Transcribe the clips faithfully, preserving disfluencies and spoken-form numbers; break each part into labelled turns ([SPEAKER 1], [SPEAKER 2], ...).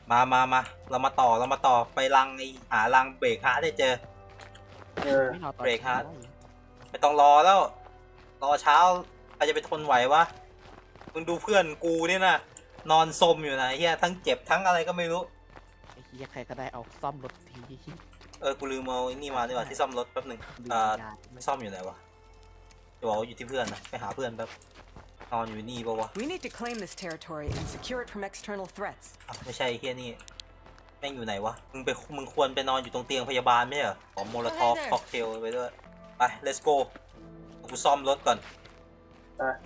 [SPEAKER 1] มามามาเรามาต่อเรามาต่อไปรังไอหารังเบรกฮาร์ดได้เจอ
[SPEAKER 2] เออ
[SPEAKER 3] ไม่รอตอน
[SPEAKER 1] เบรกฮาร์ด
[SPEAKER 3] ช้
[SPEAKER 1] ไม่ต้องรอแล้ว รอเช้าใครจะไปทนไหววะมึงดูเพื่อนกูเนี่ยนะนอนซมอยู่นะเฮียทั้งเจ็บทั้งอะไรก็ไม่รู้
[SPEAKER 3] ไอ้เหี้ยใครก็ได้เอาซ่อมรถที
[SPEAKER 1] เออกูลืมเอาไอ้นี่มาดีกว่าที่ซ่อมรถแป๊บหนึ่งอ่าไม่ซ่อมอยู่ไหนวะจะบอกว่าอยู่ที่เพื่อนนะไปหาเพื่อนแป๊บนอนอยู่นี่ปะวะ
[SPEAKER 4] We need to claim this territory and secure it from external threats.
[SPEAKER 1] อ่ะไม่ใช่เฮียนี่แม่งอยู่ไหนวะมึงไปมึงควรไปนอนอยู่ตรงเตียงพยาบาลไม่ใช่เหรอขอโมโลทอฟค็อกเทลไปด้วยไป let's go กูซ่อมรถก่อน
[SPEAKER 2] อ่ะ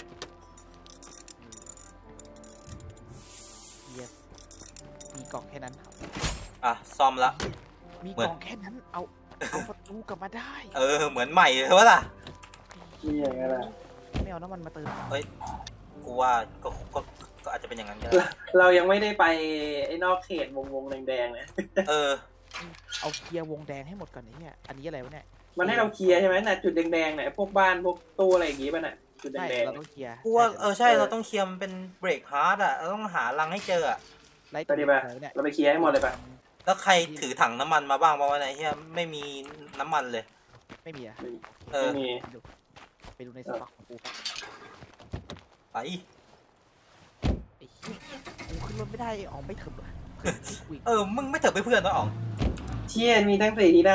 [SPEAKER 3] เหี้ยมีกล่องแค่นั้นครับ
[SPEAKER 1] อ่ะซ่อมละ
[SPEAKER 3] มี
[SPEAKER 1] เหมื
[SPEAKER 3] ก
[SPEAKER 1] อน
[SPEAKER 3] ล่องแค่นั้นเอาเอาประตูกลับมาได้
[SPEAKER 1] เออเหมือนใหม่เลยวะล่ะ
[SPEAKER 2] นี่อย่างนั้นแหละ
[SPEAKER 3] ไม่เอาน้ำมันมาเติม
[SPEAKER 1] เฮ้ยกูว่าก็ก็ก็อาจจะเป็นอย่างนั้นก็ได้
[SPEAKER 2] เรายังไม่ได้ไปไอ้นอกเขตวงวงแดงๆเนี่ย
[SPEAKER 1] เออ
[SPEAKER 3] เอาเคลียร์วงแดงให้หมดก่อนไอ้เนี่ยอันนี้อะไรวะเนี่ย
[SPEAKER 2] มันให้เราเคลียร์ใช่ไหมน่ะจุดแดงๆเนี่ยพวกบ้านพวกตู้อะไรอย่างงี้ป่ะน่ะจุด
[SPEAKER 3] ใช่
[SPEAKER 2] แดง
[SPEAKER 3] เราต้องเคลียร์
[SPEAKER 1] กูว่าเออใช่เราต้องเคลียร์มันเป็นเบรกฮาร์ดอ่ะเราต้องหารังให้เจออ่ะ
[SPEAKER 3] ไล่
[SPEAKER 2] ๆไปดิป่ะ
[SPEAKER 3] อะไรวเนี่ย
[SPEAKER 2] เราไปเคลียร์ให้หมดเลยป่ะ
[SPEAKER 1] แล้วใครถือถังน้ำมันมาบ้างบ้างวะเนี่ยเฮียไม่มีน้ำมันเลย
[SPEAKER 3] ไม่มีอะ
[SPEAKER 1] เออ
[SPEAKER 2] ไม่มี
[SPEAKER 3] ดูไปดูในสต็อกของกู
[SPEAKER 1] ไป
[SPEAKER 3] ไอ้เหี้ยกูขึ้นรถไม่ได้ออกไม่ถึงว่ะเพื่อนที่คุย
[SPEAKER 1] เออมึงไม่เถอะไปเพื่อนวะอ๋อง
[SPEAKER 2] เชี่ยมีทั้งสี่ที่นะ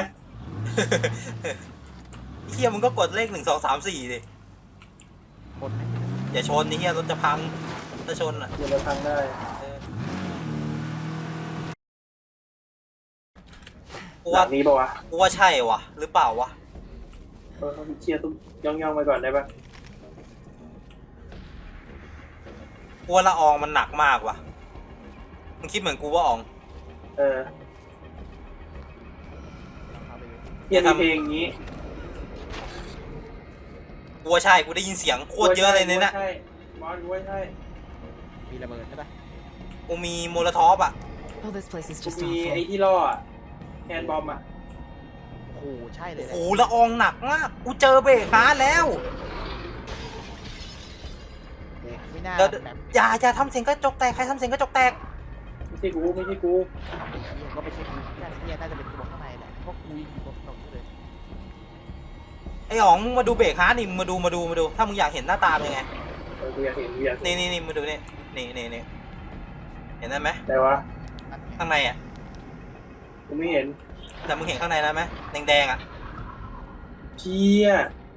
[SPEAKER 1] เฮียมึงก็กดเลขหนึ่งสองสามสี่ดิ
[SPEAKER 3] คนไหน
[SPEAKER 1] อย่าชนนี่เฮียรถจะพังถ้าชนอ่ะ
[SPEAKER 2] เดี๋ยวเราทำได้
[SPEAKER 1] เออกู
[SPEAKER 2] หลั
[SPEAKER 1] ว่าง
[SPEAKER 2] นี้ป่ะวะ
[SPEAKER 1] กูว่าใช่วะหรือเปล่าวะ
[SPEAKER 2] เออเคลียร์ตุ้มย่องๆไปก่อนได้ป่ะ
[SPEAKER 1] กูว่าละอองมันหนักมากว่ะมึงคิดเหมือนกูว่าอ๋อง
[SPEAKER 2] เออ
[SPEAKER 3] เอาไปเลย
[SPEAKER 2] เฮียมีเพลงอย่างงี้
[SPEAKER 1] กูว่าใช่กูได้ยินเสียงโคตรเยอะเลยเนี่ยนะ
[SPEAKER 2] ใช่บอสกูว่าใช่
[SPEAKER 3] มีระเบิดใช่ปะ
[SPEAKER 1] กูมีโมโลทอฟอ่ะ
[SPEAKER 4] Oh, this place is
[SPEAKER 2] กู
[SPEAKER 4] just
[SPEAKER 2] มีไอ้
[SPEAKER 4] awful.
[SPEAKER 2] ที่ล่ออะแคนบอมอ่ะ
[SPEAKER 3] โอ้โหใช่เลย
[SPEAKER 1] โอ้
[SPEAKER 3] แห
[SPEAKER 1] โห
[SPEAKER 3] ละ
[SPEAKER 1] ละอองหนักมาก กูเจอเบรกฮาร์ดแล้ว
[SPEAKER 3] ไม่น่า
[SPEAKER 1] เดี๋ยว
[SPEAKER 3] แบบ
[SPEAKER 1] อย่าอย่าทำเสียงกระจกแตก ใครทำเสียงกระจกแตก
[SPEAKER 2] ไม่ใช่กูไม่ใช่กู
[SPEAKER 3] ไอ้เหี้ยก็ไม่ใช่กูน่าจะเนี่ยน่าจะเป็นตัวข้างในแหละเพราะกูยิงอยู่บนถนนเลย
[SPEAKER 1] ไอ้อ๋องมึงมาดูเบรกฮาร์ดนี่มึงมาดูมาดูมาดู ถ้ามึงอยากเห็นหน้าตาเป็นไง
[SPEAKER 2] เออกูอยากเห็นกูอยากเห็น
[SPEAKER 1] นี่นี่นี่มาดูนี่นี่นี่นี่เห็นได้ไหม
[SPEAKER 2] แต่วะ
[SPEAKER 3] นั่นไง
[SPEAKER 1] ข้างในอ่ะ
[SPEAKER 2] กูไม่เห็น
[SPEAKER 1] แต่มึงเห็นข้างในแล้วไหมแดงๆอ่ะ
[SPEAKER 2] เชี่ย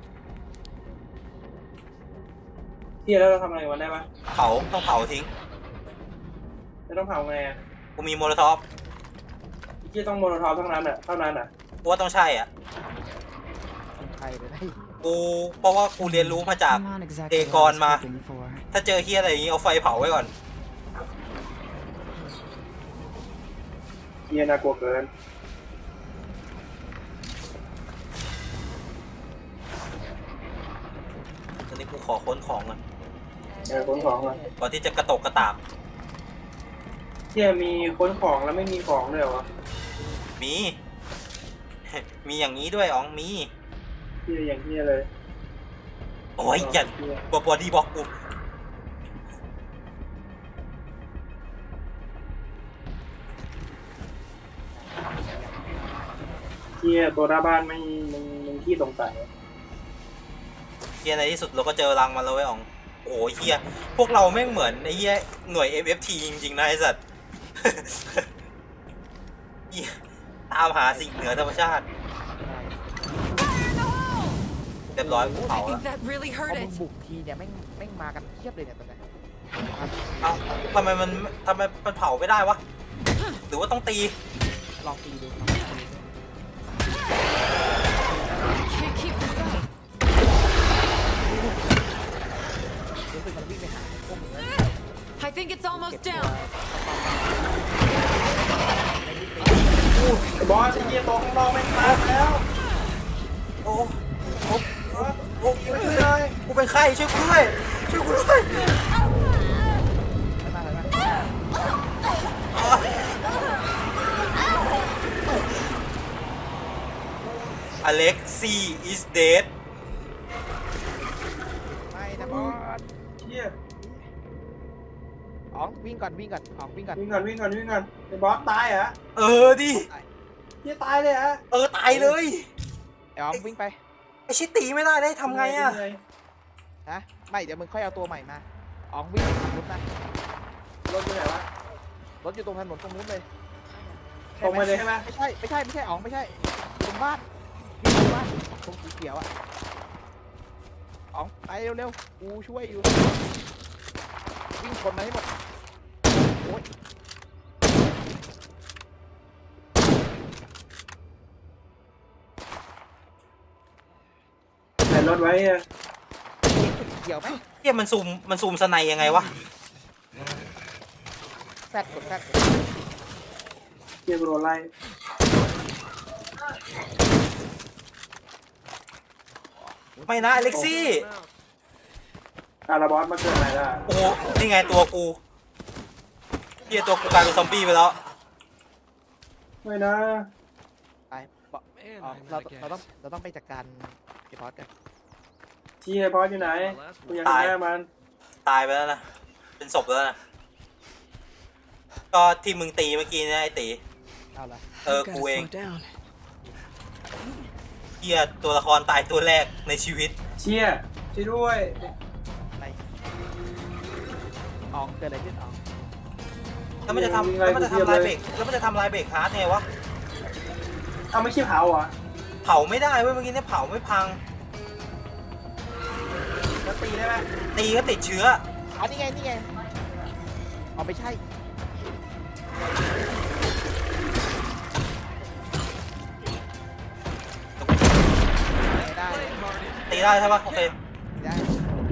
[SPEAKER 2] เชี่ยแล้วเราทำอะไรกันได้ปะ
[SPEAKER 1] เผาต้องเผาทิ้ง
[SPEAKER 2] จะต้องเผาไงอ่ะ
[SPEAKER 1] กูมีโมโลทอฟ
[SPEAKER 2] เชี่ยต้องโมโนทอปเท่านั้นอ่ะเท่านั้นอ่ะ
[SPEAKER 1] กูว่าต้องใช่อ่ะ
[SPEAKER 3] คนไทยเลยนะ
[SPEAKER 1] กูเพราะว่ากูเรียนรู้มาจาก
[SPEAKER 4] I'm not exactly
[SPEAKER 1] Day
[SPEAKER 4] what I was
[SPEAKER 1] gone ma.
[SPEAKER 4] hoping for.
[SPEAKER 1] ถ้าเจอเฮียอะไรอย่างงี้เอาไฟเผาไว้ก่อน
[SPEAKER 2] เชี่ยน่ากลัวเกิน
[SPEAKER 1] ตอนนี้กูขอค้นของก่อน
[SPEAKER 2] เออค้นของอ่ะ
[SPEAKER 1] ก่อนที่จะกระตกกระตาก
[SPEAKER 2] เชี่ยมีค้นของแล้วไม่มีของเลยเหรอวะ
[SPEAKER 1] มี มีอย่างนี้ด้วยอ๋องมี
[SPEAKER 2] เชี่ยอย่างเชี่ยเลย
[SPEAKER 1] โอ้ยอย่า
[SPEAKER 2] เชี่ย
[SPEAKER 1] บอดี้บล็อกกู
[SPEAKER 2] เชี่ยตัวหน้าบ้านไม่มึงมึงขี้สงสัย
[SPEAKER 1] เฮียในที่สุดเราก็เจอรังมาแล้วไอ้อ๋อง โอ้ยเฮียพวกเราแม่งเหมือนไอ้เฮียหน่วย เอ็ม เอฟ ที จริงๆนะไอ้สัตว์ เหี้ยตามหาสิ่งเหนือธรรมชาติ เรียบร้อยกู
[SPEAKER 4] I
[SPEAKER 1] เผาแล้ว
[SPEAKER 4] think that really
[SPEAKER 3] พอ
[SPEAKER 4] hurt
[SPEAKER 3] มึง
[SPEAKER 4] it.
[SPEAKER 3] บุกทีเนี่ยแม่งแม่งมากันเทียบเลยเนี่ยตอนเนี้ย
[SPEAKER 1] เอ้าทำไมมันทำไมมันเผาไม่ได้วะ หรือว่าต้องตี
[SPEAKER 3] ลองตีดูลองตีดู
[SPEAKER 4] Can't keep this up.
[SPEAKER 3] รู้สึกมันวิ่งไปหาพวกมึงแล้ว
[SPEAKER 4] I think it's
[SPEAKER 3] เก็บ
[SPEAKER 4] almost
[SPEAKER 3] ตัว
[SPEAKER 4] down.
[SPEAKER 2] ไอ้บอสไอ้เชี่ยตัวข้างนอกไม่งตายแล้ว
[SPEAKER 1] โอ้โอ้
[SPEAKER 2] บอส
[SPEAKER 1] โอ้
[SPEAKER 2] ช่วยเลย
[SPEAKER 1] กูเป็นไข้ช่วยกูด้วยช่วยกูด้วย
[SPEAKER 3] ไม่มาเลยนะ
[SPEAKER 1] อเล็กซี is dead
[SPEAKER 3] ไม่นะบอส
[SPEAKER 2] เชี่ย
[SPEAKER 3] อ๋องวิ่งก่อนวิ่งก่อนอ๋องวิ่งก่อน
[SPEAKER 2] วิ่งก่อนวิ่งก่อนวิ่งก่อนไอ้บอสตายเหรอ
[SPEAKER 1] เออดิ
[SPEAKER 2] เฮียตายเลยเหรอ
[SPEAKER 1] เออตายเลย
[SPEAKER 3] ไอ้อ๋องวิ่งไป
[SPEAKER 1] ไอชิตีไม่ได้ได้ทำไงอะ
[SPEAKER 3] ฮะไม่เดี๋ยวมึงค่อยเอาตัวใหม่มาอ๋องวิ่งขับรถนะ
[SPEAKER 2] รถอยู่ไหนวะ
[SPEAKER 3] รถอยู่ตรงถนนตรงนู้นเลย
[SPEAKER 2] ตรงมาเลยใช่ไหม
[SPEAKER 3] ไม่ใช่ไม่ใช่ไม่ใช่อ๋องไม่ใช่ตรงบ้านอยู่ตรงบ้านตรงสีเขียวอ่ะอ๋องไปเร็วๆกูช่วยอยู่วิ่งชนมาให้หมดโอ้ย
[SPEAKER 2] ใส่รถไว้อะ
[SPEAKER 3] จุดเขียวไหม
[SPEAKER 1] เฮียมันซูมมันซูมสไนยังไงวะ
[SPEAKER 3] แซดกดแซด
[SPEAKER 2] เฮียกูโดนไล่
[SPEAKER 1] ไม่นะอเล็กซี่
[SPEAKER 2] อาราบอสมาเกิดอะไรล่ะ
[SPEAKER 1] โอ้โหนี่ไงตัวกูเฮียตัวกูกลายเป็นซอมบี้ไปแล้ว
[SPEAKER 2] ไม่นะ
[SPEAKER 3] ไปบอกอ๋อเราเราต้องเราต้องไปจัดการไอ้บอสกัน
[SPEAKER 2] เฮียบอสอยู่ไหนกูยังไม่ได้มัน
[SPEAKER 1] ตายไปแล้วนะ เป็นศพแล้วนะ ก็ที่มึงตีเมื่อกี้นะไอตี
[SPEAKER 3] เอาละ
[SPEAKER 1] เออ
[SPEAKER 4] Gotta
[SPEAKER 1] กูเอง
[SPEAKER 4] slow down.
[SPEAKER 1] เฮียตัวละครตายตัวแรกในชีวิต
[SPEAKER 2] เชี่ยช่วยด้วย
[SPEAKER 3] ไปอ๋องเกิดอะไรขึ้นอ๋อง
[SPEAKER 1] แล้วมันจะทำแล้วมันจะทำลายเบรกแล้วมันจะทำลายเบรกฮาร์ดไงวะ
[SPEAKER 2] เอาไม่ใช่เผาเหรอ
[SPEAKER 1] เผาไม่ได้เว้ยเมื่อกี้เนี่ยเผาไม่พัง
[SPEAKER 2] แล้วตีได้ไหม
[SPEAKER 1] ตีก็ติดเชื้อ
[SPEAKER 3] อ๋อนี่ไงนี่ไงอ๋อไม่ใช่ไม่ได้
[SPEAKER 1] ตีได้ใช่ปะโอเค
[SPEAKER 3] ไม่ได้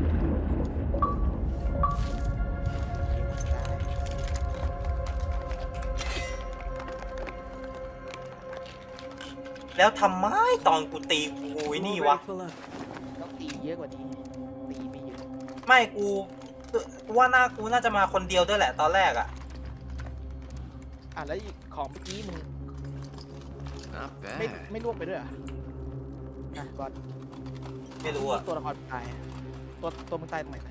[SPEAKER 1] แล้วทำไมตอนกูตีกูไอ้นี่วะ
[SPEAKER 4] Pull up.
[SPEAKER 3] ต้องตีเยอะกว่านี้ตีไม่เยอะ
[SPEAKER 1] ไม่กูกูว่าน่ากูน่าจะมาคนเดียวด้วยแหละตอนแรกอะ
[SPEAKER 3] อ่ะแล้วอีกของเมื่อกี้มึง
[SPEAKER 5] Not
[SPEAKER 3] ไม่
[SPEAKER 5] bad.
[SPEAKER 3] ไม่ล่วงไปด้วยเหรออ่ะก่อน
[SPEAKER 1] ไม่รู้อะ
[SPEAKER 3] ตัวละครตายอะตัวตัวมึงตายตรงไหนนะ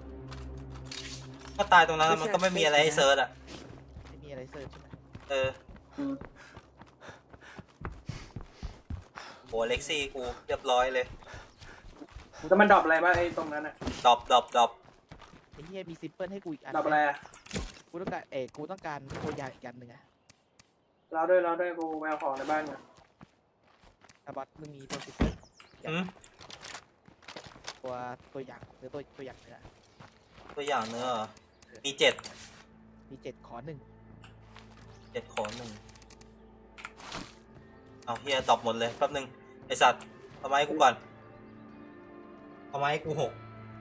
[SPEAKER 1] ก็ตายตรงนั้นแล้วมันก็ไม่มีอะไรให้เซิร์ชอะ
[SPEAKER 3] ไม่มีอะไรเสิร์ชใช่ไหม
[SPEAKER 1] เออ
[SPEAKER 2] อืม
[SPEAKER 1] โหเล็กซี่กูเรียบร้อยเลย
[SPEAKER 2] แล้วมันดรอปอะไรบ้างไอ้ตรงนั้นอะ
[SPEAKER 1] ดรอปดรอปดรอป
[SPEAKER 3] ไอ้เหี้ยมีซิมเปิลให้กูอีกอัน
[SPEAKER 2] ดรอปอะไรอะ
[SPEAKER 3] กูต้องการเอกกูต้องการตัวอย่างอีกอันหนึ่งอะ
[SPEAKER 2] เราด้วยเราด้วยกูไปเอาของในบ้านก่อน
[SPEAKER 3] อาบอสมึงมีตัวซิมเปิล
[SPEAKER 1] อืม
[SPEAKER 3] ตัวตัวอย่างหรือตัวตัวอย่างเนื้อ
[SPEAKER 1] ตัวอย่างเนื้อเหรอมีเจ็ด
[SPEAKER 3] มีเจ็ดขอหนึ่ง
[SPEAKER 1] เจ็ดขอหนึ่งเอาเฮียดรอปหมดเลยแป๊บนึงไอสัตว์เอาไม้กูก่อนเอาไม้กูหก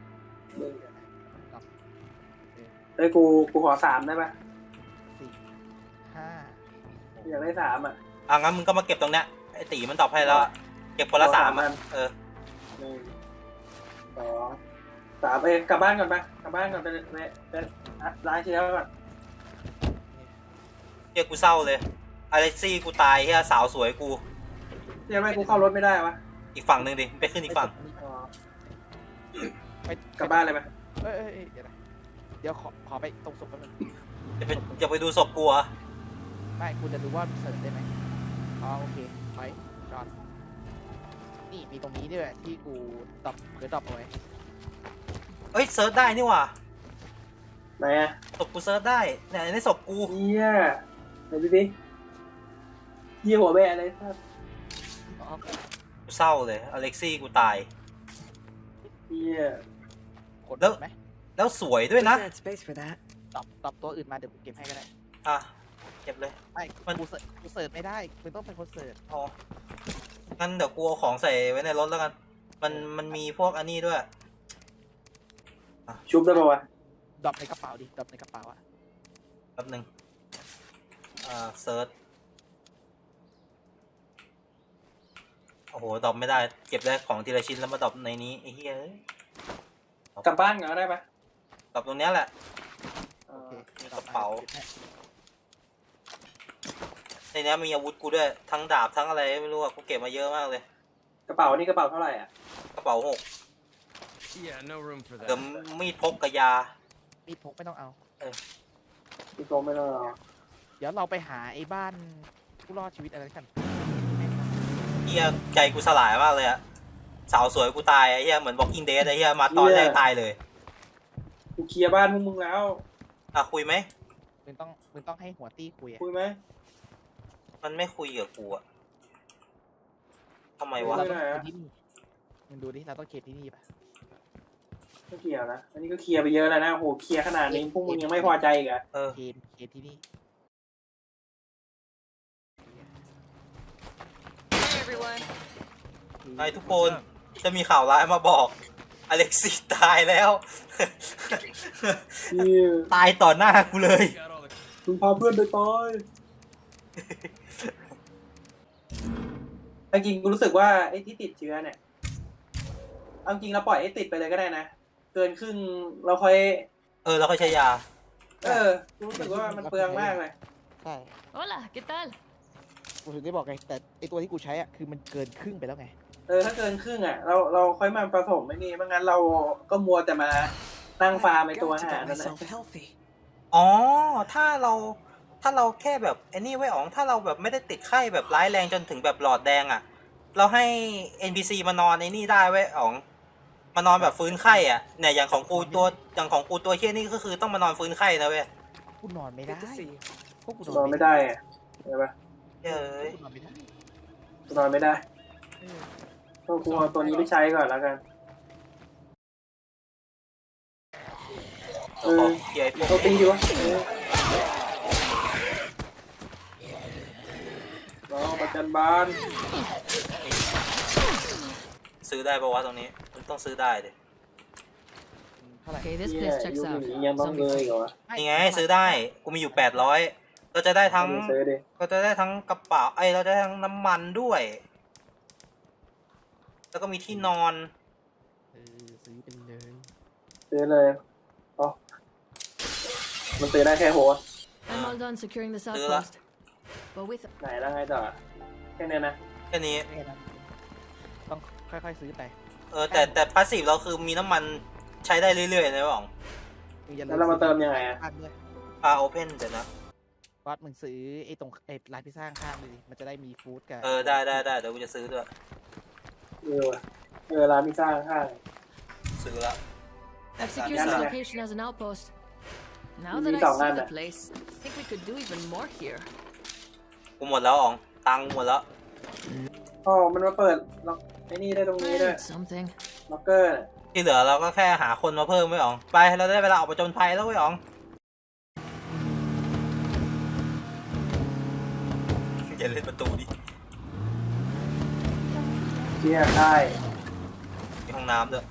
[SPEAKER 2] เอ้ยกูกูขอสามได้ปะ
[SPEAKER 3] สี่ห้า
[SPEAKER 2] อยากได้สามอ่ะ
[SPEAKER 1] อ่ะงั้นมึงก็มาเก็บตรงเนี้ยไอตีมันตอบให้แล้วอะเก็บคนละสามอะเออ
[SPEAKER 2] หนึ่งสองสามเอ้ยกลับบ้านก่อนปะกลับบ้านก่อนไปไปไปอ่ะล้างเชื้อก่อน
[SPEAKER 1] เฮียกูเศร้าเลยอเล็กซี่กูตายเฮียสาวสวยกู
[SPEAKER 2] เรียกไม่กูเข้ารถไม่ได้วะ
[SPEAKER 1] อีกฝั่งหนึ่งดิไปขึ้นอีกฝั่ง
[SPEAKER 2] อ๋อ
[SPEAKER 3] ไป
[SPEAKER 2] กลับบ้านเลยไหม
[SPEAKER 3] เอ้ยเอ้ยเอ้ยเดี๋ยวนะเดี๋ยวขอขอไปตรงศพแป๊บนึง
[SPEAKER 1] จะไปจะไปดูศพกูเหรอ
[SPEAKER 3] ไม่กูจะดูว่าเสิร์ชได้ไหมอ๋อโอเคไปจอดนี่มีตรงนี้ด้วยที่กูตอบเผื่อตอบเอาไว้
[SPEAKER 1] เอ้ยเซิร์ชได้นี่หว่า
[SPEAKER 2] ไหนอ่ะ
[SPEAKER 1] ศพกูเซิร์ชได้เนี่ยในศพกู
[SPEAKER 2] เฮียไหนดูดิเฮียหัวแบะอะไรครับ
[SPEAKER 3] อ๋อ
[SPEAKER 1] กูเศร้าเลยอเล็กซี่กูตาย
[SPEAKER 2] เฮีย
[SPEAKER 3] กด
[SPEAKER 1] แล้ว
[SPEAKER 3] ไหม
[SPEAKER 1] แล้วสวยด้วยนะ
[SPEAKER 4] Sad space for that.
[SPEAKER 3] ตอบตอบตัวอื่นมาเดี๋ยวกูเก็บให้ก็ได้
[SPEAKER 1] อ่ะเก็บเลย
[SPEAKER 3] ไม่
[SPEAKER 1] มัน
[SPEAKER 3] กูเสิร์ชกูเสิร์ชไม่ได้มึงต้องเป็นคนเสิร์ช
[SPEAKER 1] อ๋องั้นเดี๋ยวกูเอาของใส่ไว้ในรถแล้วกันมันมันมีพวกอันนี้ด้วย
[SPEAKER 2] ชุบได้ปะวะ
[SPEAKER 3] ดรอปในกระเป๋าดิดรอปในกระเป๋าอะ
[SPEAKER 1] แป๊บหนึ่งอ่าเซิร์ชโอ้โหดรอปไม่ได้เก็บได้ของทีละชิ้นแล้วมาดรอปในนี้ไอ้เหี้ยเอ้ย
[SPEAKER 2] กลับบ้านก่อนก็ได้ปะ
[SPEAKER 1] ดรอปตรงเนี้ยแหละ
[SPEAKER 2] เอ
[SPEAKER 3] โอ
[SPEAKER 2] อ
[SPEAKER 3] เค
[SPEAKER 1] มีกระเป๋า
[SPEAKER 3] ก็บให้
[SPEAKER 1] ในนี้มีอาวุธกูด้วยทั้งดาบทั้งอะไรไม่รู้อะกูเก็บมาเยอะมากเลย
[SPEAKER 2] กระเป๋านี่กระเป๋าเท่าไหร่อ่ะ
[SPEAKER 1] กระเป๋าหก
[SPEAKER 5] Yeah, no room for
[SPEAKER 1] เดี๋ยว
[SPEAKER 5] that.
[SPEAKER 1] มีดพกกับยา
[SPEAKER 3] มีดพกไม่ต้องเอา
[SPEAKER 1] เอ
[SPEAKER 2] พี่โกไม่ต้องรอ
[SPEAKER 3] เดี๋ยวเราไปหาไอ้บ้านผู้รอดชีวิตอะไรกัน
[SPEAKER 1] เฮียใจกูสลายมากเลยอะสาวสวยกูตายไอ้เฮียเหมือน Walking Dead ไอ้เฮียมาตอนแรกตายเลย
[SPEAKER 2] กูเคลียร์บ้านพวกมึงแล้ว
[SPEAKER 1] อ่ะคุยไหม
[SPEAKER 3] มึงต้องมึงต้องให้หัวตี้คุยอะ
[SPEAKER 2] คุยไหม
[SPEAKER 1] มันไม่คุยกับกูอะทำไมวะ
[SPEAKER 3] เราต้องเคลียร์ที่นี่มึงดูดิเราต้องเคลียร์ที่นี่ปะ
[SPEAKER 2] ไม่เคลียร์นะอันนี้ก็เคลียร์ไปเยอะแล้วนะโหเคลียร์ขนาดนี้พวกมึงยังไม่พอใจอีกเหรอะ
[SPEAKER 1] เออ
[SPEAKER 3] เคลียร์เคลียร์ที่นี่
[SPEAKER 4] Hey, everyone.
[SPEAKER 1] ไอ้ทุกคนจะมีข่าวร้ายมาบอก อเล็กซี่ตายแล้ว
[SPEAKER 2] พี่
[SPEAKER 1] ตายต่อหน้ากูเลย
[SPEAKER 2] มึงพาเพื่อนไปตายจริงๆกูรู้สึกว่าไอ้ที่ติดเชื้อเนี่ยเอาจริงเราปล่อยให้ติดไปเลยก็ได้นะเกินครึ่งเราค่อย
[SPEAKER 1] เออแล้วค่อยใช้ยา
[SPEAKER 2] เออกูรู้สึกว่ามันเปลืองมากเลย
[SPEAKER 3] ใช่
[SPEAKER 4] Hola, ¿qué tal?
[SPEAKER 3] กูถึงได้บอกไงแต่ไอตัวที่กูใช้อ่ะคือมันเกินครึ่งไปแล้วไง
[SPEAKER 2] เออถ้าเกินครึ่งอ่ะเราเราค่อยมาผสมไม่นี่ไม่งั้นเราก็มัวแต่มานั่งฟาร์มไอตัวอาหารนั่นแหละ
[SPEAKER 5] healthy.
[SPEAKER 1] อ๋อ ถ้าเรา ถ้าเราแค่แบบไอ้นี่ไว้อ๋อง ถ้าเราแบบไม่ได้ติดไข้แบบร้ายแรงจนถึงแบบหลอดแดงอะ่ะ เราให้ เอ็น พี ซี มานอนไอ้นี่ได้ไว้อ๋อง มานอนแบบฟื้นไข้อ่ะ เนี่ยอย่างของกูตัว อย่างของกูตัวเฮี้ยนี่ก็คือต้องมานอนฟื้นไข้นะเว้ย
[SPEAKER 3] กูนอนไม่ได้
[SPEAKER 5] Good to see you.
[SPEAKER 3] พวกกู
[SPEAKER 2] นอนไม่ได้อะเห็นปะ
[SPEAKER 1] เฮ้ย
[SPEAKER 3] กูนอนไม่ได้
[SPEAKER 2] นอนไม่ได้
[SPEAKER 3] เออ
[SPEAKER 2] ก็กูเอาตัวนี้ไปใช้ก่อนแล้วกัน
[SPEAKER 1] เออเฮียไอ้พวก
[SPEAKER 2] เราตีดีวะเออรอประจันบาน
[SPEAKER 1] ซื้อได้ปะวะตรงนี้ มันต้องซื้อได้ดิ
[SPEAKER 3] เท่าไหร่
[SPEAKER 4] Okay, this
[SPEAKER 2] เหี้ย
[SPEAKER 4] place
[SPEAKER 2] ยุ
[SPEAKER 4] checks
[SPEAKER 2] ค
[SPEAKER 4] out.
[SPEAKER 2] นี้ยังต้องเลย
[SPEAKER 4] Zombie
[SPEAKER 2] เหรอวะ
[SPEAKER 1] นี่ไงซื้อได้ กูมีอยู่แปดร้อยเราจะได้ทั้ง
[SPEAKER 2] ซื้อดิ
[SPEAKER 1] ก็จะได้ทั้งกระเป๋าไอ้ยเราจะได้ทั้งน้ำมันด้วย แล้วก็มีที่นอน
[SPEAKER 3] เออซื้อไปเลย
[SPEAKER 2] ซื้อเลยอ๋อมันซื้อได้แค่โฮส
[SPEAKER 4] I'm all done securing this
[SPEAKER 1] Đưa
[SPEAKER 4] outpost. But with
[SPEAKER 2] ไหนแล้วไงต่อแค่เนี้ยนะ
[SPEAKER 1] แค่นี้
[SPEAKER 3] แค่นั้นต้องค่อยๆซื้อไป
[SPEAKER 1] เออแต่แต่พาสซีฟเราคือมีน้ำมันใช้ได้เรื่อยๆนะบ้อง
[SPEAKER 3] มึงอย่า
[SPEAKER 2] แล้วเรามาเติมยังไงอะ
[SPEAKER 3] บ้านด้วย
[SPEAKER 1] อ่าโอเพนเดี๋ยวนะ
[SPEAKER 3] วัดมึงซื้อไอ้ตรงไอ้ร้านพิซซ่าข้างๆเลยดิมันจะได้มีฟู้ดกับ
[SPEAKER 1] เออได้ได้ได้เดี๋ยวกูจะซื้อด้วย
[SPEAKER 2] เออว่ะเออร้านพิซซ่าข้าง
[SPEAKER 1] ซื้อละ
[SPEAKER 4] I've secured
[SPEAKER 2] Yeah,
[SPEAKER 4] this
[SPEAKER 2] yeah.
[SPEAKER 4] location as an outpost. Now
[SPEAKER 2] You
[SPEAKER 4] that
[SPEAKER 2] need
[SPEAKER 4] I
[SPEAKER 2] all
[SPEAKER 4] see
[SPEAKER 2] that.
[SPEAKER 4] the place, I think we could do even more here.
[SPEAKER 1] กูหมดแล้วอ๋องตังค์หมดแล้ว
[SPEAKER 2] ๆอ๋อมันมาเปิดล็อกไอ้นี่ได้ตรง
[SPEAKER 4] I
[SPEAKER 2] นี้ด้วย
[SPEAKER 4] need something.
[SPEAKER 2] ล็อกเกอร์
[SPEAKER 1] ที่เหลือเราก็แค่หาคนมาเพิ่มไว้อ๋องไปเราได้เวลาออกประจนภัยแล้วไว้อ๋องอย่าเล่นประตูดิ
[SPEAKER 2] เชี่ยได้
[SPEAKER 1] มีห้องน้ำด้วย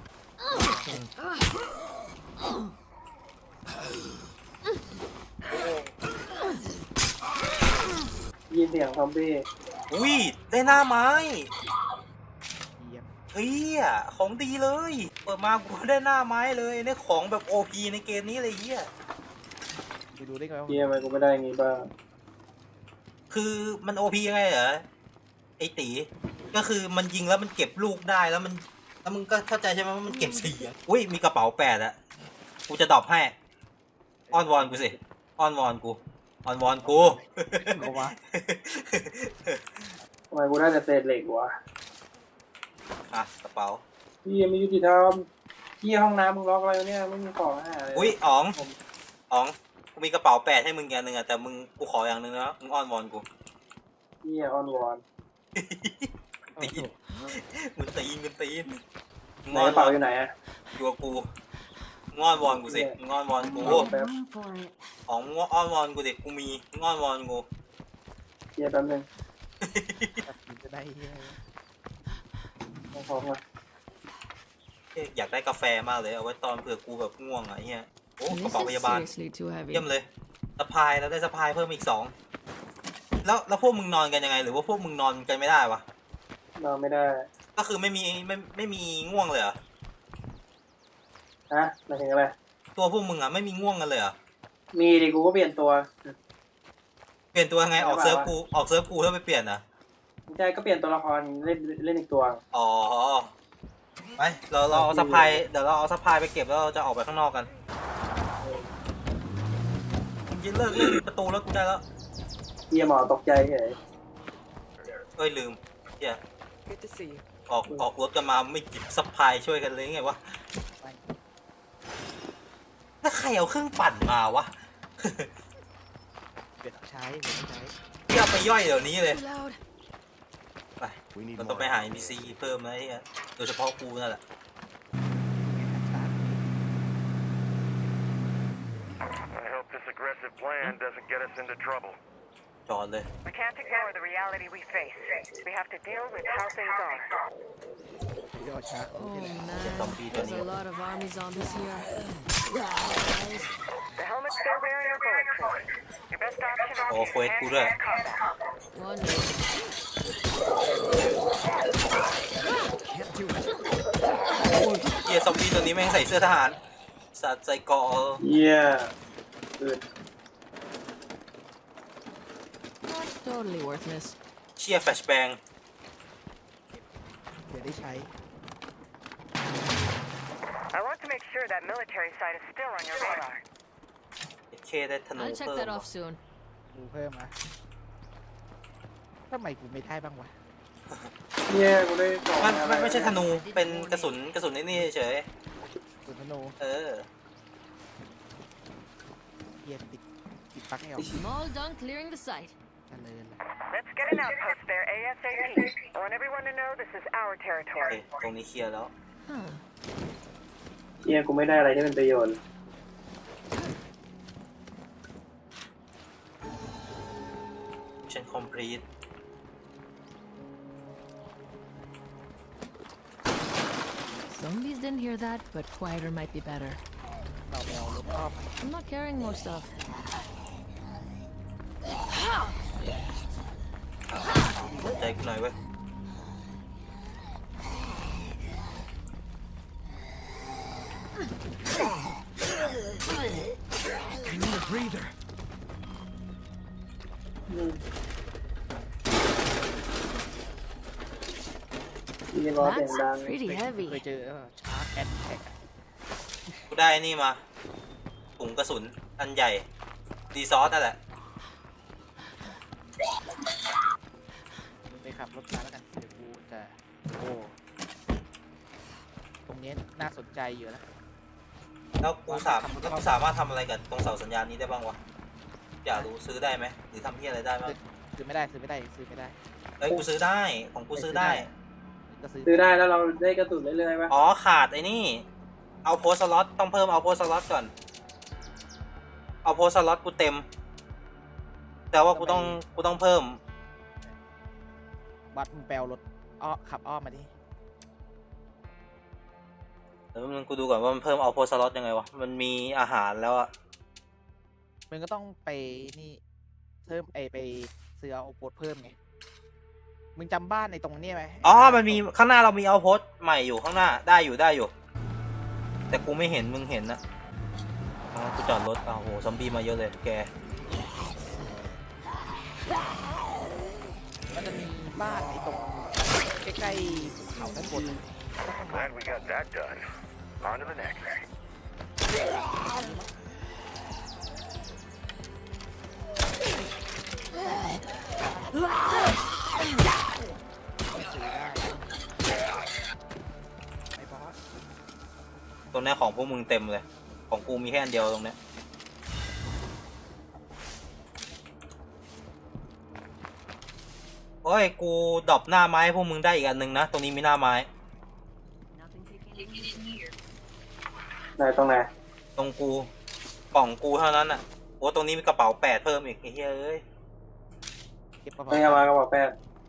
[SPEAKER 2] ยินเสียงซอมบี้
[SPEAKER 1] อุ้ยได้หน้าไม้
[SPEAKER 3] เยี่ยม
[SPEAKER 1] เฮียของดีเลย เปิดมากูได้หน้าไม้เลยเนี่ยของแบบ โอ พี ในเกมนี้เลยเฮีย
[SPEAKER 3] ดูดูได้ไงว่า
[SPEAKER 2] เชี่ยทำไมกูไม่ได้อย่างงี้บ้าง
[SPEAKER 1] คือมัน โอ พี ยังไงเหรอไอตีก็คือมันยิงแล้วมันเก็บลูกได้แล้วมันแล้วมึงก็เข้าใจใช่ไหมว่ามันเก็บเสียงอุ้ยมีกระเป๋าแปดอะกูจะดรอปให้อ้อนวอนกูสิอ้อนวอนกูอ้อนวอนกู
[SPEAKER 3] เอาวะ
[SPEAKER 2] ทำไมกูได้แต่เศษเหล็กวะ
[SPEAKER 1] อ่ะกระเป๋า
[SPEAKER 2] พี่ไม่ยุติธรรมพี่ห้องน้ำมึงล็อกอะไรวะเนี่ยไม่มีของอาหารเลย
[SPEAKER 1] อุ้ยอ๋องอ๋องกูมีกระเป๋าแปดให้มึงอย่างหนึ่งอะแต่มึงกูขออย่างหนึ่งนะมึงอ้อนวอนกู
[SPEAKER 2] พี่ออนวอน
[SPEAKER 1] ตีนมึงตีนมึงตีนมึง
[SPEAKER 2] ไหน
[SPEAKER 1] อ้อก น
[SPEAKER 2] ระ
[SPEAKER 1] วอ
[SPEAKER 2] เป๋าน อยู่ไหนอะ
[SPEAKER 1] อยู่กับกูมึงอ้อนวอนกูสิมึงอ้อนวอนกู
[SPEAKER 2] แป๊บ
[SPEAKER 4] for it.
[SPEAKER 1] อ๋องมึงอ้อนวอนกูดิกูมีมึงอ้อนวอนกู
[SPEAKER 2] เชี่ยแป๊บนึง
[SPEAKER 3] มันจะได้เหี้ย
[SPEAKER 2] เอาของมา
[SPEAKER 1] อยากได้กาแฟมากเลยเอาไว้ตอนเผื่อกูแบบง่วงอะไอ้เหี้ยโอ้กระ
[SPEAKER 4] This
[SPEAKER 1] เป๋าพ
[SPEAKER 4] is
[SPEAKER 1] ยาบาล
[SPEAKER 4] seriously too heavy.
[SPEAKER 1] เยี่ยมเลยสะพายแล้วได้สะพายเพิ่มอีกสองแล้วแล้วพวกมึงนอนกันยังไง หรือว่าพวกมึงนอนกันไม่ได้วะ
[SPEAKER 2] นอนไม่ได้
[SPEAKER 1] ก็คือไม่มีไม่ไม่มีง่วงเลยเหรอ
[SPEAKER 2] ฮะหมายถึงอะไร
[SPEAKER 1] ตัวพวกมึงอะไม่มีง่วงกันเลยเหรอ
[SPEAKER 2] มีดิกูก็เปลี่ยนตัว
[SPEAKER 1] เปลี่ยนตัวยังไงออก
[SPEAKER 2] ไม่
[SPEAKER 1] เซิร์ฟ
[SPEAKER 2] ว่า
[SPEAKER 1] กูออกเซิร์ฟกูแล้วไปเปลี่ยนอะ
[SPEAKER 2] ไม่ใช่ก็เปลี่ยนตัวละครเล่นเล่นอีกตัว
[SPEAKER 1] อ๋อไปเราเราเอาสะพายเดี๋ยวเราเอาสะพายไปเก็บแล้วเราจะออกไปข้างนอกกันจะเลิกเล่นประตูแล้วกูได้แล้ว
[SPEAKER 2] เฮียหมอตกใจเฉย
[SPEAKER 1] เอ้ยลืมเฮีย
[SPEAKER 6] Good to see you.
[SPEAKER 1] ออกออกรถกันมาไม่จิบซัพพลายช่วยกันเลยไงวะแล้วใครเอาเครื่องปั่นมาวะ
[SPEAKER 3] เปลี่ยนใช้เปลี่ยนใช้
[SPEAKER 1] ที่เอาไปย่อยเดี๋ยวนี้เลย
[SPEAKER 4] Too loud.
[SPEAKER 1] ไป
[SPEAKER 5] We need
[SPEAKER 1] เราต้อง
[SPEAKER 5] more.
[SPEAKER 1] ไปหา เอ็น พี ซี เพิ่มนะไอ้เหี้ยโดยเฉพาะกูนั่นแหละ
[SPEAKER 7] I hope this aggressive plan doesn't get us into trouble.
[SPEAKER 1] จอดเลย
[SPEAKER 6] We can't ignore the reality we face. We have to deal with how things are.
[SPEAKER 3] ยอดช้า
[SPEAKER 4] Oh
[SPEAKER 3] นี่แหละ
[SPEAKER 4] man,
[SPEAKER 1] zombie
[SPEAKER 4] there's a
[SPEAKER 1] down here.
[SPEAKER 4] lot of army zombies here.
[SPEAKER 6] The helmets they're wearing are bulletproof. Your best option is
[SPEAKER 1] Oh,
[SPEAKER 6] to
[SPEAKER 1] wait,
[SPEAKER 6] use
[SPEAKER 1] good, uh.
[SPEAKER 6] hand-to-hand combat.
[SPEAKER 4] One minute.
[SPEAKER 3] can't do it
[SPEAKER 1] เฮียซอมบี้ตัวนี้แม่งใส่เสื้อทหารสัตว์ใส่เกราะ
[SPEAKER 2] เฮียอืด
[SPEAKER 4] Not totally worthless.
[SPEAKER 1] เชียร์แฟลชแบง
[SPEAKER 3] เดี๋ยวได้ใช้
[SPEAKER 6] I want to make sure that military site is still on your radar.
[SPEAKER 1] เคได้ธนู
[SPEAKER 4] I'll check
[SPEAKER 1] เพิ่ม
[SPEAKER 4] that off soon.
[SPEAKER 3] ดูเพิ่มนะทำไมกูไม่ได้บ้างวะ
[SPEAKER 2] เฮียกูได้กล่อง
[SPEAKER 1] มัน
[SPEAKER 2] อะไร
[SPEAKER 1] มันไม่ใช่ธนูเป็นกระสุนกระสุนไอ้นี่เฉย
[SPEAKER 3] สุนทนู
[SPEAKER 1] เออ
[SPEAKER 3] เยียติดติดปลั๊กไม่ออก
[SPEAKER 4] I'm all done clearing the site.
[SPEAKER 3] เจริญละ
[SPEAKER 6] Let's get an outpost there ASAP. I want everyone to know this is our
[SPEAKER 1] โอเค
[SPEAKER 6] territory.
[SPEAKER 1] ตรงนี้เคลียร์แล้ว
[SPEAKER 4] Huh.
[SPEAKER 2] เฮียกูไม่ได้อะไรที่เป็นประโยชน์
[SPEAKER 1] ฉันคอมพลีท
[SPEAKER 4] Zombies didn't hear that, but quieter might be better.
[SPEAKER 3] เราไปเอารถอ้อม
[SPEAKER 4] I'm not carrying more stuff.
[SPEAKER 1] ใจกูหน่อยเว้ย
[SPEAKER 2] เฮียร้อนเสียงดัง
[SPEAKER 4] That's pretty
[SPEAKER 3] เค
[SPEAKER 4] heavy.
[SPEAKER 3] ยเจอชาร์จแอนแท็ก
[SPEAKER 1] กูได้นี่มาถุงกระสุนอันใหญ่ดีซอสนั่นแหละ
[SPEAKER 3] ไปขับรถมาแล้วกันเดี๋ยวกูจะโอ้ตรงนี้น่าสนใจอยู่นะ
[SPEAKER 1] แล้วกูสามแล้วกูสามารถทำอะไรกับตรงเสาสัญญาณนี้ได้บ้างวะอยากรู้ซื้อได้ไหมหรือทำที่อะไรได้บ้าง
[SPEAKER 3] ซื้อไม่ได้ซื้อไม่ได้ซื้อไม่ได้
[SPEAKER 1] เอ้ยกูซื้อได้ของกูซื้อได้
[SPEAKER 3] ก็ซื้อ
[SPEAKER 2] ซื้อได้แล้วเราได้กระสุนเรื่อยๆป่ะ
[SPEAKER 1] อ๋อขาดไอ้นี่ เอาโพสสล็อตต้องเพิ่มเอาโพสสล็อตก่อน เอาโพสสล็อตกูเต็ม แต่ว่ากูต้องกูต้องเพิ่ม
[SPEAKER 3] วัดมึงแปลรถอ้อขับอ้อมมาดิ
[SPEAKER 1] เดี๋ยวมึงกูดูก่อนว่ามันเพิ่มเอาโพสสล็อตยังไงวะ มันมีอาหารแล้วอะ
[SPEAKER 3] มึงก็ต้องไปนี่เพิ่มไอไปซื้อเอาโพสเพิ่มไงมึงจำบ้านในตรงนี้ไหม
[SPEAKER 1] อ๋อ มันมีข้างหน้าเรามีเอาโพสใหม่อยู่ข้างหน้าได้อยู่ได้อยู่ แต่กูไม่เห็นมึงเห็นนะอ๋อกูจอดรถอ้าวโหซอมบี้มาเยอะเลยแก
[SPEAKER 3] มันจะมีบ้านในตรงใกล้ๆเขาด้านบน
[SPEAKER 7] Glad we got that done. On to the next.
[SPEAKER 3] ซื้อได้ไอ้บอส
[SPEAKER 1] ตรงเนี้ยของพวกมึงเต็มเลย ของกูมีแค่อันเดียวตรงเนี้ย โอ้ย กูดรอปหน้าไม้ให้พวกมึงได้อีกอันหนึ่งนะ ตรงนี้มีหน้าไม้
[SPEAKER 2] ไหนตรงไหน
[SPEAKER 1] ตรงกูกล่องกูเท่านั้นอ่ะโอ้ตรงนี้มีกระเป๋าแปดเพิ่มอีกไอ้เฮ้ยเอ้ย
[SPEAKER 3] เก็บกระ
[SPEAKER 2] ไม่
[SPEAKER 3] เป๋า
[SPEAKER 2] เอามากระบอกแปด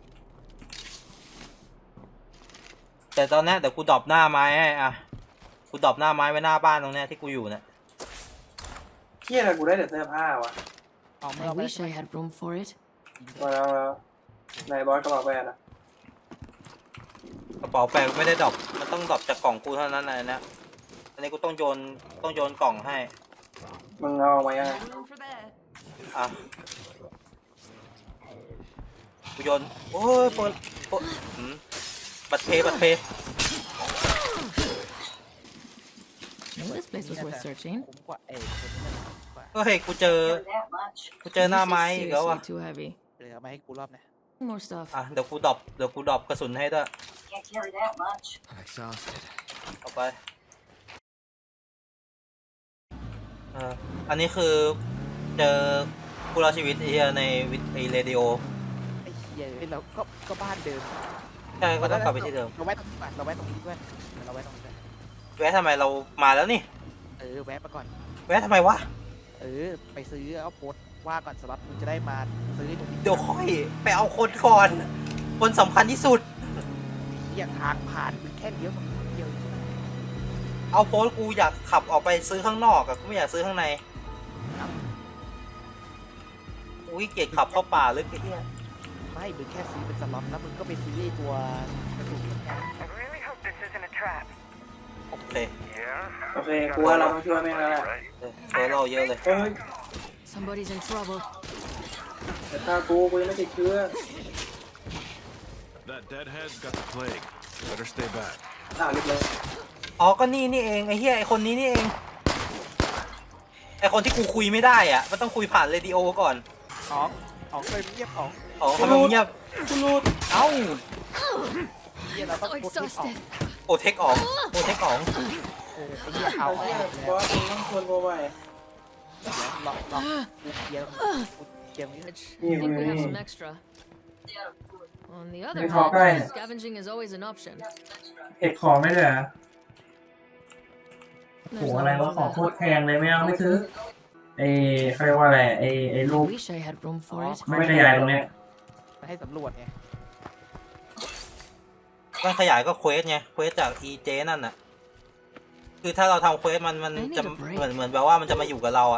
[SPEAKER 1] แต่ตอนเนี้ยเดี๋ยวกูดรอปหน้าไม้ให้อ่ะ กูดรอปหน้าไม้ไว้หน้าบ้านตรงเนี้ยที่กูอยู่เนี่ย
[SPEAKER 2] เฮียอะไรกูได้แต่เสื้อผ้าวะ
[SPEAKER 3] เอาเมื่
[SPEAKER 4] I
[SPEAKER 3] อไป
[SPEAKER 4] wish I had room for it.
[SPEAKER 2] มาแล้วมาแล้วไหนบอสกระบอกแปดอะ
[SPEAKER 1] กระเป๋าแปดไม่ได้ดรอปมันต้องดรอปจากกล่องกูเท่านั้นนะนะอันนี้กูต้องโยนต้องโยนกล่องให้
[SPEAKER 2] มึงเอาออกมายังไง
[SPEAKER 1] อ่ะกูโยนโอ้ยเปิดเปิดหืมบัตรเพย์บัตรเพย์
[SPEAKER 4] Well, this place was worth searching.
[SPEAKER 3] คุ้มกว่าเอ้คนนี้มันคุ้มกว่า
[SPEAKER 1] เฮ้ยกูเจอ กูเจอหน้าไม้อีกแล้วอ่ะ
[SPEAKER 4] Seriously too heavy.
[SPEAKER 3] เหลือมาให้กูรอบนะ
[SPEAKER 4] More stuff.
[SPEAKER 1] อ่ะเดี๋ยวกูดรอปเดี๋ยวกูดรอปกระสุนให้ด้วย
[SPEAKER 5] I'm exhausted.
[SPEAKER 1] เอาไปเอออันนี้คือเจอผู้รอดชีวิตไอ้เหี้ยในวิทไอเรดิโอ
[SPEAKER 3] ไอ้เหี้ยเอ้ยเราก็ก็บ้านเดิม
[SPEAKER 1] ใช่ก็ต้องกลับไปที่เดิม
[SPEAKER 3] เราแวะตรงนี้ก่อนเราแวะตรงนี้ด้วยเราแวะตรงนี้ด้วย
[SPEAKER 1] แวะทำไมเรามาแล้วนี่
[SPEAKER 3] เออแวะมาก่อน
[SPEAKER 1] แวะทำไมวะ
[SPEAKER 3] เออไปซื้อเอาโพสต์ว่าก่อนสล็อตมึงจะได้มาซื้อตรงนี้
[SPEAKER 1] เดี๋ยวค่อยไปเอาคนก่อน คนสำคัญที่สุด
[SPEAKER 3] เหี้ยทางผ่านมึงแค่เลี้ยวตรงนี้เดียวใช่ไหม
[SPEAKER 1] เอาโพสต์กูอยากขับออกไปซื้อข้างนอกอะกูไม่อยากซื้อข้างในอุ้ยเกลียดขับเข้าป่าลึกไอ้เหี้ย
[SPEAKER 3] ไม่มึงแค่ซื้อเป็นสล็อตแล้วมึงก็ไปซื้อไอ้ตัวกระสุนเหมือนกัน
[SPEAKER 6] I really hope this isn't a trap.
[SPEAKER 1] โอเค
[SPEAKER 7] Yeah?
[SPEAKER 2] โอเคกูว่าเราต้องช่วยแม่งแล้วแหละ
[SPEAKER 7] Right.
[SPEAKER 1] เออเจอเราเยอะเลย
[SPEAKER 2] เฮ้ย
[SPEAKER 4] Somebody's in trouble.
[SPEAKER 2] แต่ถ้ากูกูยังไม่ติดเชื้อ
[SPEAKER 8] That deadhead's got the plague. Better stay back.
[SPEAKER 2] อ้าวเรียบร้อย
[SPEAKER 1] อ๋อก็นี่นี่เองไอ้เหี้ยไอ้คนนี้นี่เองไอ้คนที่กูคุยไม่ได้อ่ะมันต้องคุยผ่านเรดิโอก่อน
[SPEAKER 3] อ๋องอ๋องเคยเงียบอ๋อง
[SPEAKER 1] อ๋อทำไมมึงเงียบ
[SPEAKER 2] กูรูด
[SPEAKER 1] เอ้า
[SPEAKER 3] เหี้ยเราต้อง
[SPEAKER 4] So
[SPEAKER 3] โพสต์ที่ออก
[SPEAKER 4] exhausted.
[SPEAKER 1] โอเทคออกโอเทคออก
[SPEAKER 3] เออไอ้เหี้ยเอา
[SPEAKER 2] เอา
[SPEAKER 3] เอา
[SPEAKER 2] เนี่ย
[SPEAKER 3] เอา
[SPEAKER 2] บอสมึงต้องชวนกูไป
[SPEAKER 3] ลองลองกูเคลียร์กูเคลียร์นี้
[SPEAKER 4] Which I
[SPEAKER 2] Yeah,
[SPEAKER 4] think we
[SPEAKER 2] yeah,
[SPEAKER 4] have
[SPEAKER 2] yeah.
[SPEAKER 4] some extra. On the other
[SPEAKER 2] They talk
[SPEAKER 4] hand,
[SPEAKER 2] right.
[SPEAKER 4] scavenging is always an option.
[SPEAKER 9] เก็บของไม่เลยเหรอโห
[SPEAKER 4] There's
[SPEAKER 9] อะไร
[SPEAKER 4] nothing
[SPEAKER 9] วะ
[SPEAKER 4] wrong
[SPEAKER 9] ของ
[SPEAKER 4] with
[SPEAKER 9] โคตรแพงเลยไม่เอาไม่ซื้อไอ้เขาเรียกว่าอะไรไอ้ไอ้
[SPEAKER 4] that.
[SPEAKER 9] รูป
[SPEAKER 4] Wish I had room for it.
[SPEAKER 9] ไม่ขยายตรงเนี้ย
[SPEAKER 3] มาให้สำรวจไง
[SPEAKER 1] มันขยายก็เควสไงเควสจาก อี เจ นั่นน่ะคือถ้าเราทำเควสมันมันจะเหมือนเหมือนแบบว่ามันจะมาอยู่กับเราอ่ะ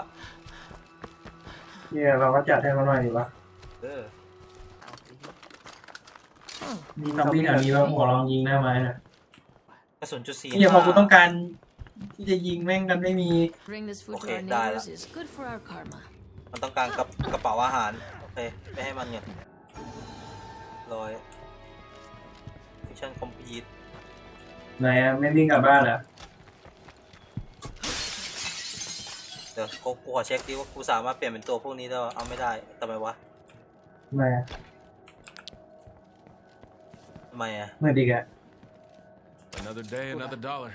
[SPEAKER 9] เนี่ยเราก็จัดให้มันหน่อยดีวะ
[SPEAKER 1] เออ
[SPEAKER 3] เอาสิ
[SPEAKER 9] มีซอมบี้แถวนี้ว่าหัวลองยิงได้ไหมนะ
[SPEAKER 1] กระสุนจุดสี่
[SPEAKER 9] เนี่ยพอกูต้องการที่จะยิงแม่งกันไม่มี
[SPEAKER 4] Bring this food to
[SPEAKER 1] Okay,
[SPEAKER 4] our
[SPEAKER 1] dah
[SPEAKER 4] neighbors is good for our karma.
[SPEAKER 1] มันต้องการกระกระเป๋าอาหารโอเคไปให้มันไงร้อยมิชชั่นคอมพลีท
[SPEAKER 9] ไหนอะไม่วิ่งกลับบ้านเหรอ
[SPEAKER 1] เดี๋ยวกูกูขอเช็คดิว่ากูสามารถเปลี่ยนเป็นตัวพวกนี้ได้ปะเอาไม่ได้ทำไมวะ
[SPEAKER 9] ไหนอะ
[SPEAKER 1] ทำไมอ่ะ
[SPEAKER 9] เมื่อดีกอะ
[SPEAKER 8] Another day, another dollar.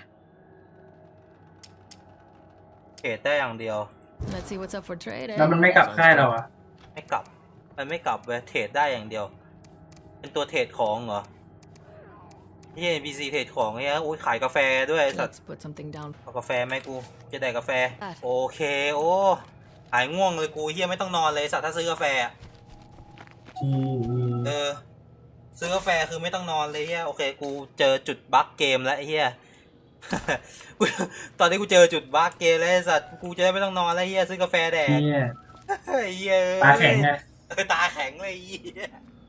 [SPEAKER 1] เทรดได้อย่างเดียว
[SPEAKER 4] Let's see what's up for trade,
[SPEAKER 9] แล้ว
[SPEAKER 4] eh?
[SPEAKER 9] มันไม่กลับค่ายเราอะ
[SPEAKER 1] ไม่กลับ มันไม่กลับเว้ยเทรดได้อย่างเดียว เป็นตัวเทรดของเหรอที่ เอ็น พี ซี เทรดของเนี่ยอุ้ยขายกาแฟด้วยสัตว์
[SPEAKER 4] Let's put something down.
[SPEAKER 1] เอากาแฟไหมกู จะได้กาแฟ
[SPEAKER 4] อ่ะ
[SPEAKER 1] โอเค โอ้ หายง่วงเลยกูเฮียไม่ต้องนอนเลยสัตว์ถ้าซื้อกาแฟอะ
[SPEAKER 9] อืม
[SPEAKER 1] เออ ซื้อกาแฟคือไม่ต้องนอนเลยเฮียโอเค กูเจอจุดบั๊กเกมแล้วไอ้เฮีย กูตอนนี้กูเจอจุดบั๊กเกมแล้วไอ้สัตว์กูจะได้ไม่ต้องนอนแล้วเฮียซื้อกาแฟแดก
[SPEAKER 9] เนี่ย
[SPEAKER 1] ไอ้เฮีย
[SPEAKER 9] ตาแข็งไง
[SPEAKER 1] เออตาแข็งเลยไอ้เฮีย